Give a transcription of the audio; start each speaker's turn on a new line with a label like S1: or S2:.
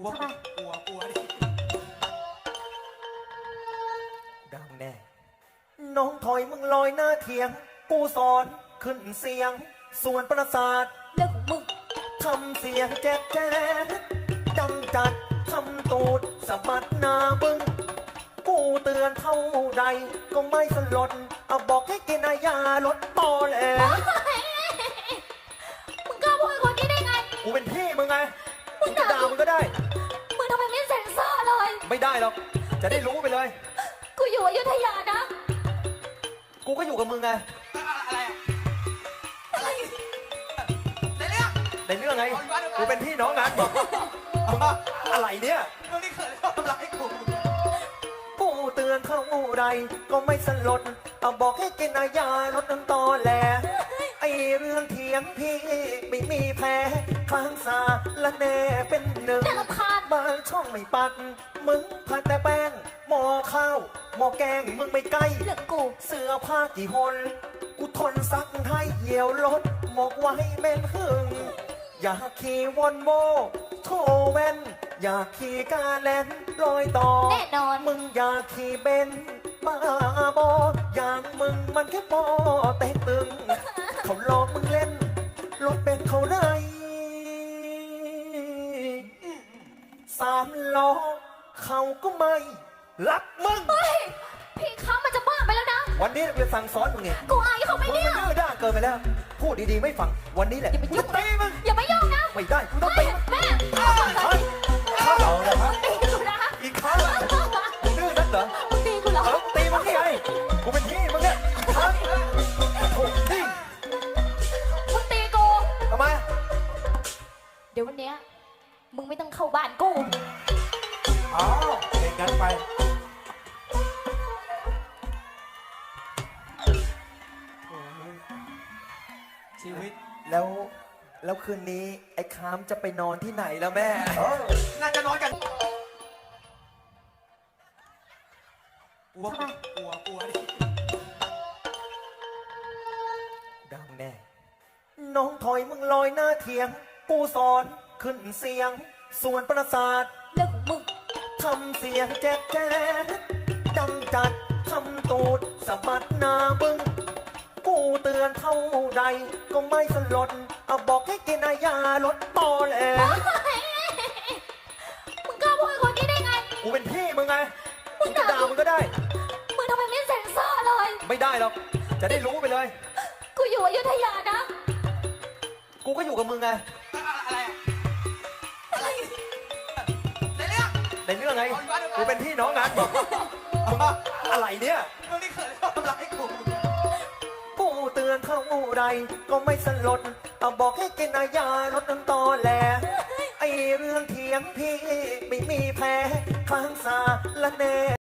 S1: วกลัวดิ
S2: ดังแน่น้องถอยมึงลอยหน้าเถียงกูสอนขึ้นเสียงส่วนประสาท
S3: เรื่องของมึง
S2: ทำเสียงแจ๊กดังจัดทำตูดสะบัดหน้าบึ้งกูเตือนเท่าใดก็ไม่สลดเอาบอกให้กินยาลดตอแหล
S3: มึงกล้าพูดคนนี้ได้ไง
S2: กูเป็นพี่มึงไงมึงจะด่ามึงก็ได้
S3: มึงทำไมไม่เซ็นเซอร์เลย
S2: ไม่ได้หรอกจะได้รู้ไปเลย
S3: กูอยู่อยุธยานะ
S2: กูก็อยู่กับมึงไง
S1: อะไรในเรื่อง
S2: ไงกูเป็นพี่น้องกันอะไรเนี่ย
S1: มึงนี่เคยทำร้าย
S2: กูเตือนเท่าใดก็ไม่สลดเอาบอกให้กินยาลดน้ำตอแหลไอเรื่องเถียงพี่ไม่มีแพ้ข้างสาละแน่เป็นหนึ่งบางช่องไม่ปัดมึงพัดแต่แป้งหม้อข้าวหม้อแกงมึงไม่ใกล้
S3: เรื่องกู
S2: เสื้อผ้ากี่หนกูทนซักให้เหี่ยวรถหมกไว้เม่นหึงอยากขี่วอนโวโทเวนอยากขี่กาแลนลอยต่อ
S3: แน่นอน
S2: มึงอยากขี่เบนมาบออย่างมึงมันแค่ปอเตะตึงเขาหลอกมึงเล่นรถเป็นเขาได้สามล้อเขาก็ไม่รักมึง
S3: พี่เขามันจะบ้าไปแล้วนะ
S2: วันนี้เราจะสั่งสอนมึงไง
S3: กูอายเขาไม่เนี่ย
S2: มึงมันดื้อด้านเกินไปแล้วพูดดีๆไม่ฟังวันนี้แหละ
S3: อย่าไปยุ่ง
S2: ตีมึง
S3: อย่าไปยุ่งนะ
S2: ไม่ได้กูต้องตี
S3: แม่
S2: เอาเลยครับ
S3: ตีกูนะ
S2: อีกครั้งมึงดื้อนักเหรอ
S3: มึงตีกูเหรอ
S2: ตีมึงที่ไงกูเป็นพี่มึงเนี่ยครั้งโอ้ย
S3: มึงตีกู
S2: ทำไม
S3: เดี๋ยววันเนี้ยมึงไม่ต้องเข้าบ้านกู
S1: อ๋อเด็กกันไปชีวิต
S2: แล้วคืนนี้ไอ้คามจะไปนอนที่ไหนแล้วแม่
S1: น่าจะนอนกันกลัวดิ
S2: ดังแน่น้องถอยมึงลอยหน้าเถียงกูสอนขึ้นเสียงส่วนประสาท
S3: เรื่องของมึง
S2: ทำเสียงแจ๊กดังจัดทำตูดสะบัดหน้าบึ้งกูเตือนเท่าใดก็ไม่สลดเอาบอกให้กินยาลดตอแหล
S3: มึงกล้าพูดคนนี้ได้ไง
S2: กูเป็นพี่มึงไงมึงจะด่ามึงก็ได้
S3: มึงทำไมไม่เซ็นเซอร์เลย
S2: ไม่ได้หรอกจะได้รู้ไปเลย
S3: กูอยู่อยุธยานะ
S2: กูก็อยู่กับมึงไง
S1: อะไร
S2: ในเรื่องไงกูเป็นพี่น้องกันอะไรเนี่ย
S1: มึงนี่เคยทำร้าย
S2: กูเตือนเท่าใดก็ไม่สลดเอาบอกให้กินยาลดน้ำตอแหลไอเรื่องเถียงพี่ไม่มีแพ้ข้างสาละแน่